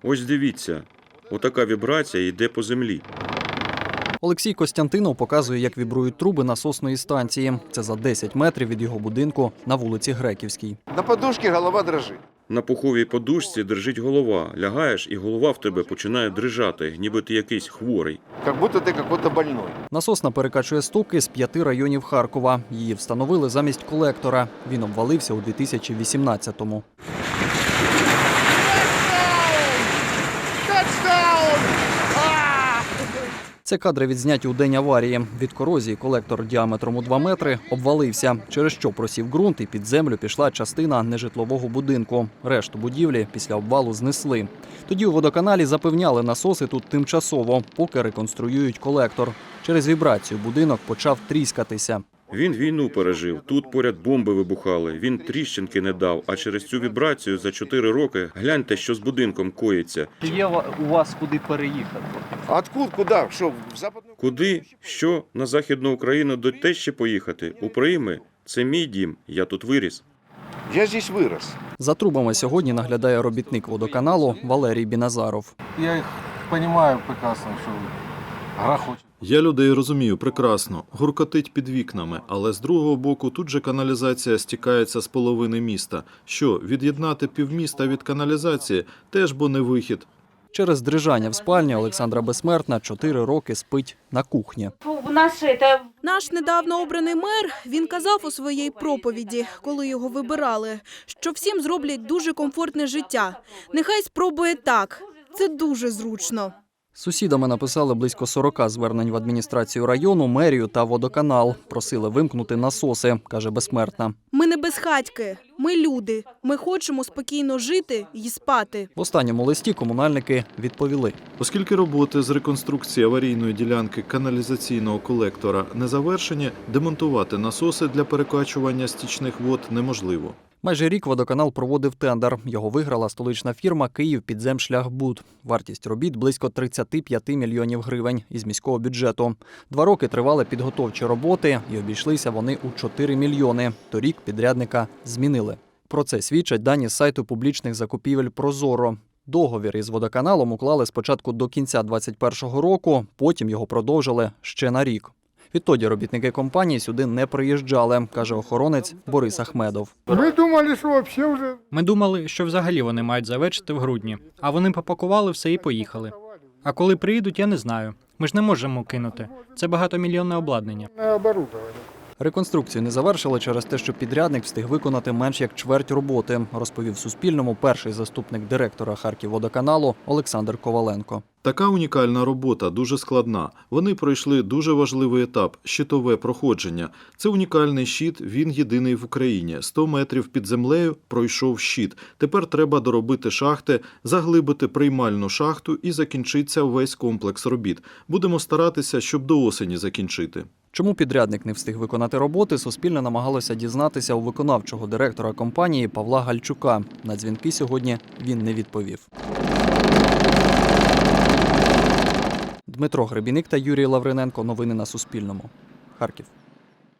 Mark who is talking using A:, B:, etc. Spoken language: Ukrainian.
A: Ось дивіться, отака вібрація йде по землі.
B: Олексій Костянтинов показує, як вібрують труби насосної станції. Це за 10 метрів від його будинку на вулиці Греківській.
C: На подушці голова дрожить.
A: На пуховій подушці дрижить голова. Лягаєш, і голова в тебе починає дрижати, ніби ти якийсь хворий.
C: Як будто ти якийсь больной.
B: Насосна перекачує стоки з 5 районів Харкова. Її встановили замість колектора. Він обвалився у 2018-му. Це кадри відзняті у день аварії. Від корозії колектор діаметром у 2 метри обвалився, через що просів ґрунт і під землю пішла частина нежитлового будинку. Решту будівлі після обвалу знесли. Тоді у водоканалі запевняли, насоси тут тимчасово, поки реконструюють колектор. Через вібрацію будинок почав тріскатися.
A: Він війну пережив, тут поряд бомби вибухали, він тріщинки не дав, а через цю вібрацію за 4 роки гляньте, що з будинком коїться.
B: Чи є у вас куди переїхати?
C: Откуда? Куди? Що, в Западну?
A: Куди? Що? На Західну Україну до тещі поїхати? У Прийми? Це мій дім, я тут виріс.
C: Я здесь вирос.
B: За трубами сьогодні наглядає робітник водоканалу Валерій Біназаров.
D: Я їх розумію прекрасно, що грохочуть.
E: Я людей розумію прекрасно. Гуркотить під вікнами, але з другого боку тут же каналізація стікається з половини міста. Що, від'єднати півміста від каналізації – теж бо не вихід.
B: Через дрижання в спальні Олександра Безсмертна 4 роки спить на кухні.
F: Наш недавно обраний мер, він казав у своїй проповіді, коли його вибирали, що всім зроблять дуже комфортне життя. Нехай спробує так. Це дуже зручно.
B: Сусідами написали близько 40 звернень в адміністрацію району, мерію та водоканал. Просили вимкнути насоси, каже Безсмертна.
F: Ми не безхатьки, ми люди. Ми хочемо спокійно жити і спати.
B: В останньому листі комунальники відповіли.
E: Оскільки роботи з реконструкції аварійної ділянки каналізаційного колектора не завершені, демонтувати насоси для перекачування стічних вод неможливо.
B: Майже рік водоканал проводив тендер. Його виграла столична фірма «Київпідземшляхбуд». Вартість робіт – близько 35 мільйонів гривень із міського бюджету. 2 роки тривали підготовчі роботи і обійшлися вони у 4 мільйони. Торік підрядника змінили. Про це свідчать дані з сайту публічних закупівель «Прозоро». Договір із водоканалом уклали спочатку до кінця 2021 року, потім його продовжили ще на рік. Відтоді робітники компанії сюди не приїжджали, каже охоронець Борис Ахмедов.
G: Ми думали, що взагалі вони мають завершити в грудні, а вони попакували все і поїхали. А коли приїдуть, я не знаю. Ми ж не можемо кинути. Це багатомільйонне обладнання.
B: Реконструкцію не завершили через те, що підрядник встиг виконати менш як чверть роботи, розповів Суспільному перший заступник директора Харківводоканалу Олександр Коваленко.
E: Така унікальна робота, дуже складна. Вони пройшли дуже важливий етап – щитове проходження. Це унікальний щит, він єдиний в Україні. 100 метрів під землею пройшов щит. Тепер треба доробити шахти, заглибити приймальну шахту і закінчиться весь комплекс робіт. Будемо старатися, щоб до осені закінчити.
B: Чому підрядник не встиг виконати роботи, Суспільне намагалося дізнатися у виконавчого директора компанії Павла Гальчука. На дзвінки сьогодні він не відповів. Дмитро Гребіник та Юрій Лавриненко. Новини на Суспільному. Харків.